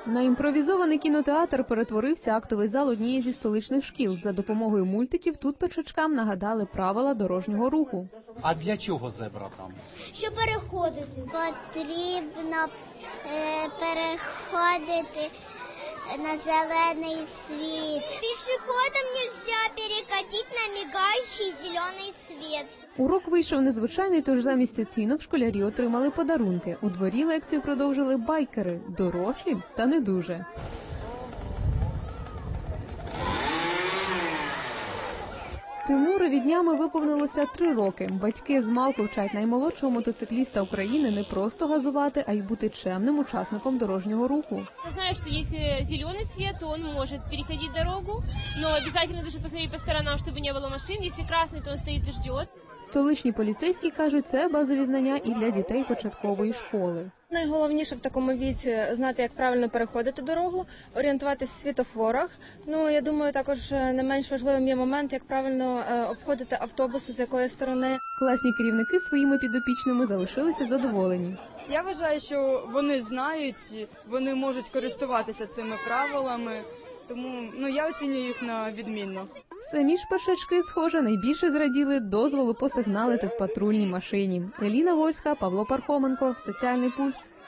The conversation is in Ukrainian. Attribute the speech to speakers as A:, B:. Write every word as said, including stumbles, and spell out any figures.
A: На імпровізований кінотеатр перетворився актовий зал однієї зі столичних шкіл. За допомогою мультиків тут печачкам нагадали правила дорожнього руху.
B: А для чого зебра там?
C: Щоб переходити. Потрібно е, переходити на зелений світ. Пішоходам нельзя переходити на мигаючий зелений світ.
A: Урок вийшов незвичайний, тож замість оцінок школярі отримали подарунки. У дворі лекцію продовжили байкери, дорослі та не дуже. Тимурові днями виповнилося три роки. Батьки змалку вчать наймолодшого мотоцикліста України не просто газувати, а й бути чемним учасником дорожнього руху.
D: Я знаю, что если зеленый свет, то он может переходить дорогу, но обязательно должен посмотреть по сторонам, чтобы не было машин. Если красный, то он стоит и ждет.
A: Столичні поліцейські кажуть, це базові знання і для дітей початкової школи.
E: Найголовніше в такому віці знати, як правильно переходити дорогу, орієнтуватися в світлофорах. Ну, я думаю, також не менш важливим є момент, як правильно обходити автобуси, з якої сторони.
A: Класні керівники своїми підопічними залишилися задоволені.
F: Я вважаю, що вони знають, вони можуть користуватися цими правилами, тому ну, я оцінюю їх на відмінно.
A: Самі ж пешачки, схоже, найбільше зраділи дозволу посигналити в патрульній машині. Еліна Вольська, Павло Пархоменко, Соціальний пульс.